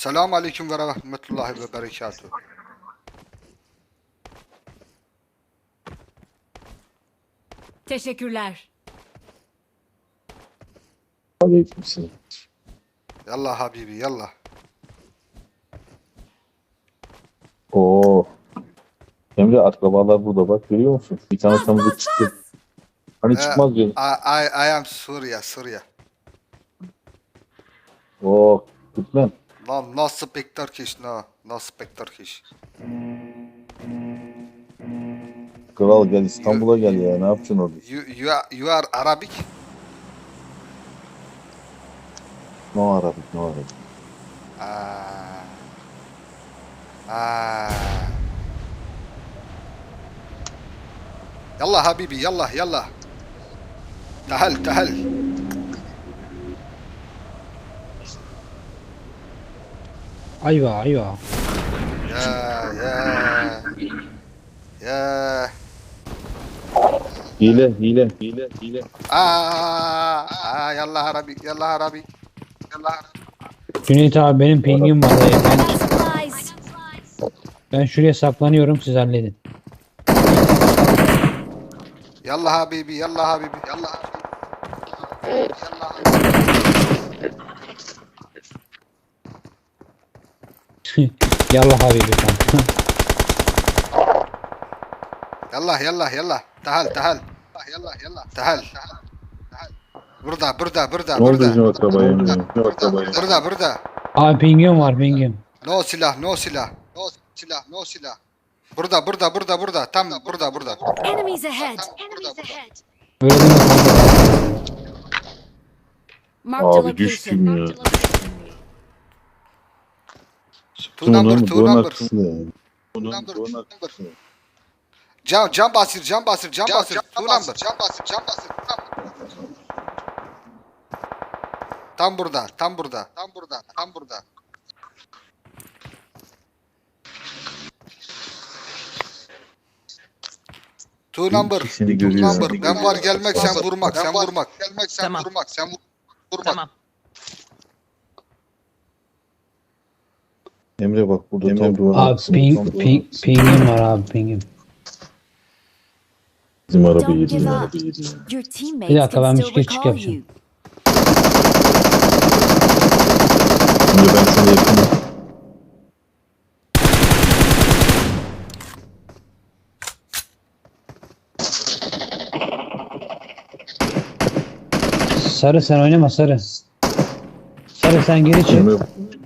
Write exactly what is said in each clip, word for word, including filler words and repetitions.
Selamun Aleyküm ve Rahmetullahi ve Berekatuhu. Teşekkürler. Aleykümselam. Yallah Habibi yallah. Oo. Emre akrabalar burada bak görüyor musun? Bir tane tanıdık çıktı. Hani Ee, çıkmaz diyor. I, I, I am Suriye, Suriye. Oo. Gitmem. No, no speak Turkish, no. No speak Turkish. Kral gel İstanbul'a gel ya. Ne yapacaksın orada? You, you, are, you are Arabic? No Arabik, no Arabik. Ah. Ah. Yallah Habibi, yallah, yallah. Tahal, tahal. Ayva ayva. Ya, ya. Ya. Hile, hile, hile, hile. Aa, aa, yallah Arabic, yallah Arabic. Yallah Arabic. Cüneyt abi benim pingim var. dayı. Ben, Supplies. ben şuraya saklanıyorum, siz halledin. Yallah Habibi, yallah Habibi, yallah Habibi. Yallah Yallah habibi kanka. Yallah, yallah, yallah. Tahal, tahal. Yallah, yallah. Tahal. Burada, burada, burada, Ne oldu burada. bizim akrabaya Emre? Ne akrabaya? Burada, burada. Abi pingim var pingim. No silah, no silah. No silah, no silah. Burada, burada, burada, burada. Tam burada, burada. Enemies ahead. Enemies ahead. Öyle deme kanka. Marked a Abi düştüm location. ya. Two number, two Duvarın number. arkasında yani. Bunun Number, duvarın number. arkasında. Cam, cam basır, cam basır, cam basır. Two number. Cam basır, cam basır. Tam burada, tam burada, tam burada, tam burada. Two number, İkisini two görüyor. number. Ben var gelmek, sen vurmak, sen vurmak. Gelmek, sen Tamam. vurmak, sen vur- vurmak. Tamam. Emre bak burada Emre tam duvarın Abi arkasında. ping, tam duvarın ping, arkasında. pingim var abi pingim. Bizim araba Don't yedi give ya. up. Your Bir teammates dakika, ben can bir still geçik recall yapacağım. you. Emre ben sana yakınım. Sarı sen oynama sarı. Sarı sen geri çık. Emre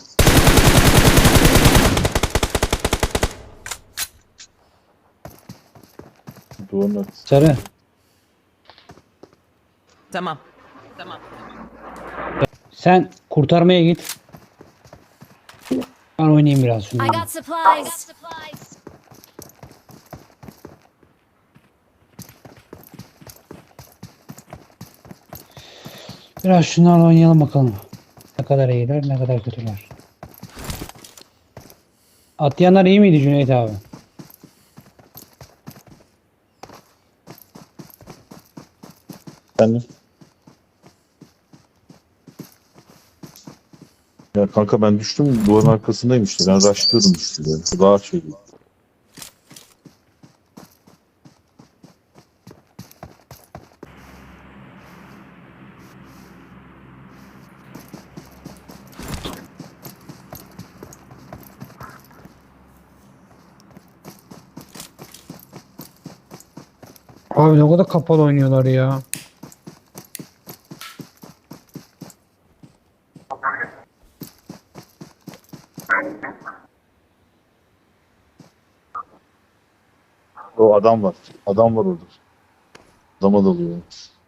duvarın arkasında. Sarı. Tamam. Tamam. Sen kurtarmaya git. Ben oynayayım biraz I şunları. got supplies. Biraz şunlarla oynayalım bakalım. Ne kadar iyiler, ne kadar kötüler. Atlayanlar iyi miydi Cüneyt abi? Efendim? Ya kanka ben düştüm duvarın arkasındayım işte. Ben rushlıyordum işte. Yani. Daha şey değil. Abi ne kadar kapalı oynuyorlar ya. O adam var. Adam var orada. Adama dalıyor.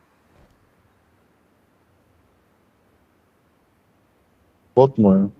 Bot mu ya?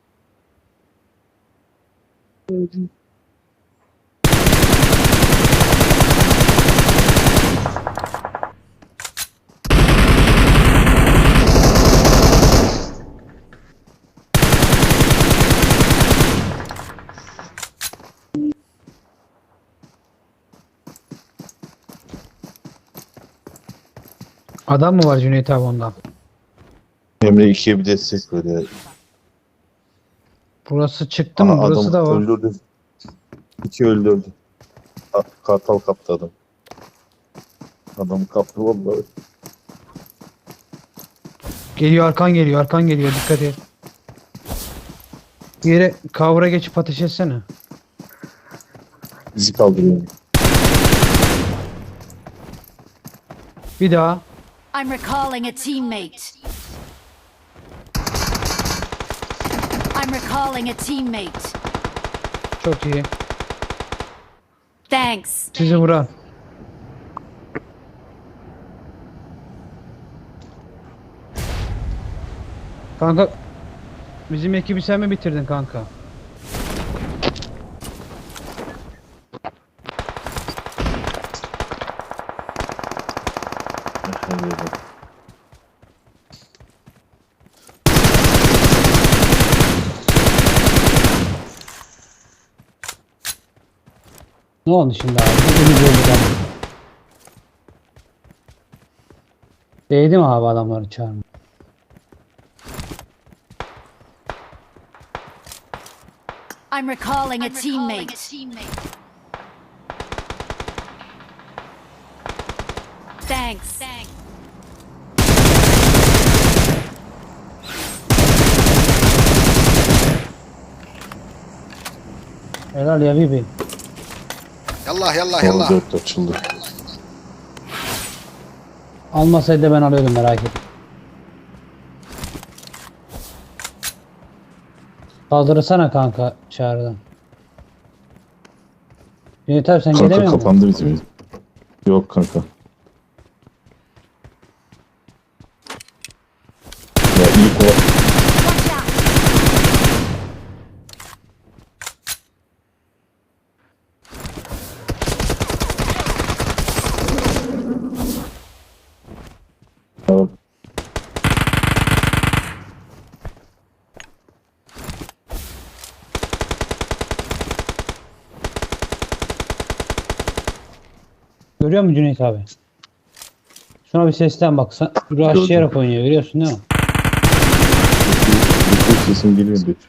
Adam mı var Cüneyt abi ondan? Emre ikiye bir destek böyle. Burası çıktı mı? Aha, Burası da adam var. öldürdü. İki öldürdü. Ha, Kartal kaptı adam. Adamı kaptı vallahi. Geliyor, arkan geliyor, arkan geliyor. Dikkat et. Bir yere kavra geçip ateş etsene. Bizi kaldırıyor. Bir daha. I'm recalling a teammate. I'm recalling a teammate. Çok iyi. Thanks. Sizi vuran. Kanka bizim ekibi sen mi bitirdin kanka? Ne oldu şimdi abi? Beni gördüler. Değdi mi abi adamları çağırma? I'm recalling a teammate. Thanks. Helal ya Bibi. Yallah yallah Son yallah. dört açıldı. Almasaydı ben alıyordum, merak etme. Kaldırsana kanka çağrıdan. Cüneyt abi sen Kanka gelemiyor musun? kapandı bizim. Yok kanka. Ya iyi kova. Watch out. Görüyor musun Cüneyt abi? Şuna bir sesten bak. Sen rushlayarak oynuyor, görüyorsun değil mi? Bütün sesim geliyor Betül.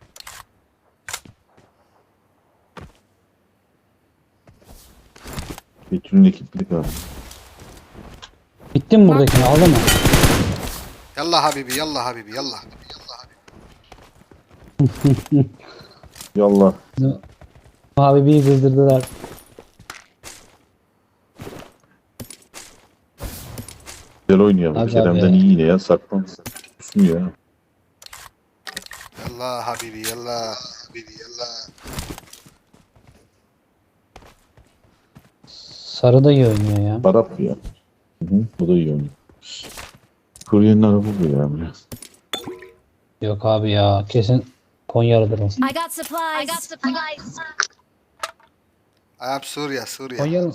Betül'ün ekiplik abi. Bitti mi buradakini, aldın mı? Yallah habibi yallah habibi yallah. Yallah. Abi bir kızdırdılar. Güzel oynuyor. Hadi Kerem'den abi. iyi yine ya. Saklan. Susmuyor ya. Yallah habibi yallah. Habibi yallah. Sarı da iyi oynuyor ya. Arap ya. Hı hı. Bu da iyi oynuyor. Kuryenin arabı bu ya biraz. Yok abi ya, kesin Konyalıdır o. I got supplies. I got supplies. I am Suriye Suriye. Konyalı.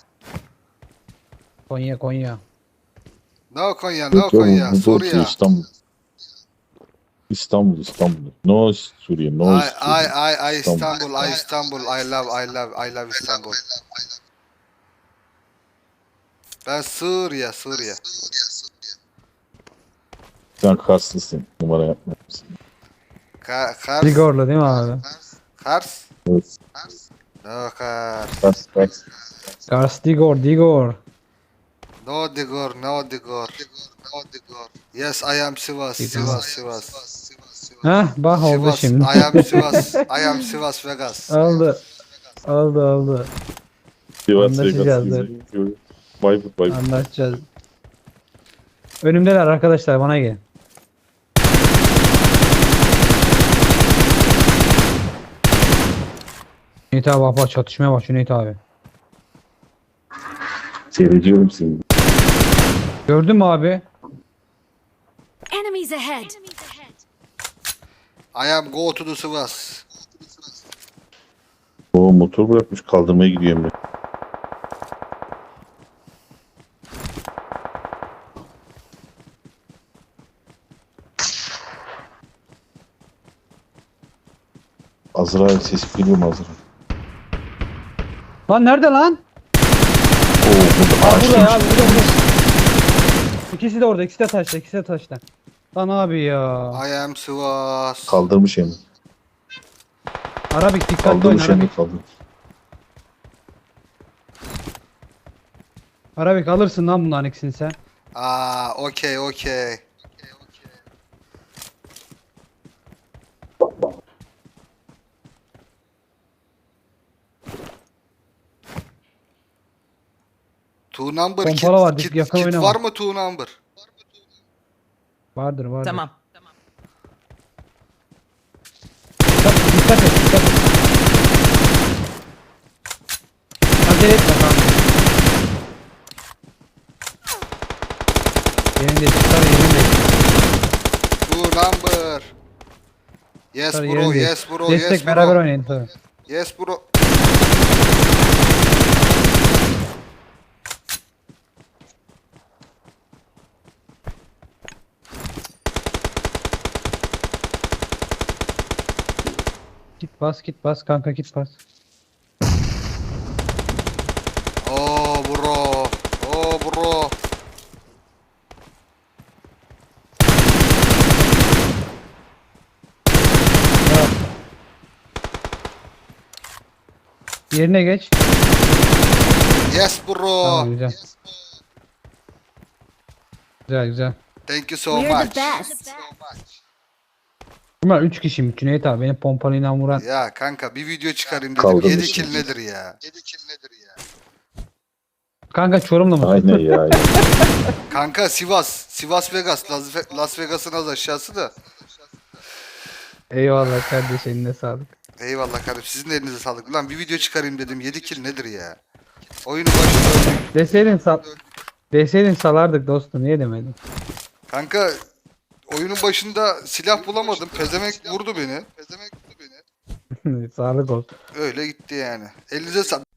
Konya Konya. No Konya no Yok ya, Konya bu da Suriye. okey, İstanbul. İstanbul, İstanbul. No Suriye, no I I Suriye. I I İstanbul. Istanbul I Istanbul I love I love I love İstanbul. Ben Suriye Suriye. Sen Karslısın. Numara yapma. Ka Kars. Ligorlu değil mi abi? Kars. Evet. No Kars. Kars, Kars. Gars Digor Digor. No Digor no Digor. No Digor. Yes I am Sivas Sivas Sivas. Heh bak oldu Sivas. şimdi. I am Sivas. I am Sivas Vegas. Aldı. Aldı aldı. Sivas, Anlaşacağız, Vegas, gibi. Bayburt, Bayburt. Anlaşacağız. Önümdeler arkadaşlar, bana gelin. Cüneyt abi bak bak, çatışmaya bak Cüneyt abi. Seyrediyorum seni. Gördün mü abi? Enemies ahead. I am go to the Sivas. O motor bırakmış, kaldırmaya gidiyorum ben. Azrail sesi geliyor mu Azrail? Lan nerede lan? Oo, burada Aa, burada ağaçtaymış. ya, burada burada. İkisi de orada, ikisi de taşta, ikisi de taşta. Lan abi ya. I am Sivas. Kaldırmış hem. Arabik dikkatli Aldığım oyna şeyini Arabik. kaldım. Arabik alırsın lan bunların ikisini sen. Aa, okey okey. Two number kit, Pompalı var, kit, yakın kit oynama. var mı two number? Vardır vardır. Tamam. Tamam. Dikkat, dikkat et dikkat et. Acele etme kanka. Yerinde tutar yerinde. Two number. Yes Tutar bro, yerinde. yes bro, Destek yes beraber bro. oynayın tabii. Yes bro. Git bas git bas kanka git bas. Oh bro. Oh bro. Ya. Yerine geç. Yes bro. Tamam güzel. Güzel güzel. Thank you so We're much. the best. Bunlar üç kişiyim. Cüneyt abi beni pompalıyla vuran. Ya kanka bir video çıkarayım dedim. Kaldırmış yedi şimdi. kill nedir ya? yedi kill nedir ya? Kanka Çorum'da mı? Aynen ya. Kanka Sivas. Sivas Vegas. Las, Ve- Las Vegas'ın az aşağısı da. Eyvallah kardeş eline sağlık. Eyvallah kardeşim. Sizin de elinize sağlık. Ulan bir video çıkarayım dedim. yedi kill nedir ya? Oyunu başında öldük. Deseydin sal Deseydin salardık dostum niye demedin? Kanka oyunun başında silah bulamadım. Pezemek vurdu beni. Pezemek vurdu beni. Sağlık olsun. Öyle gitti yani. Elinize sağlık.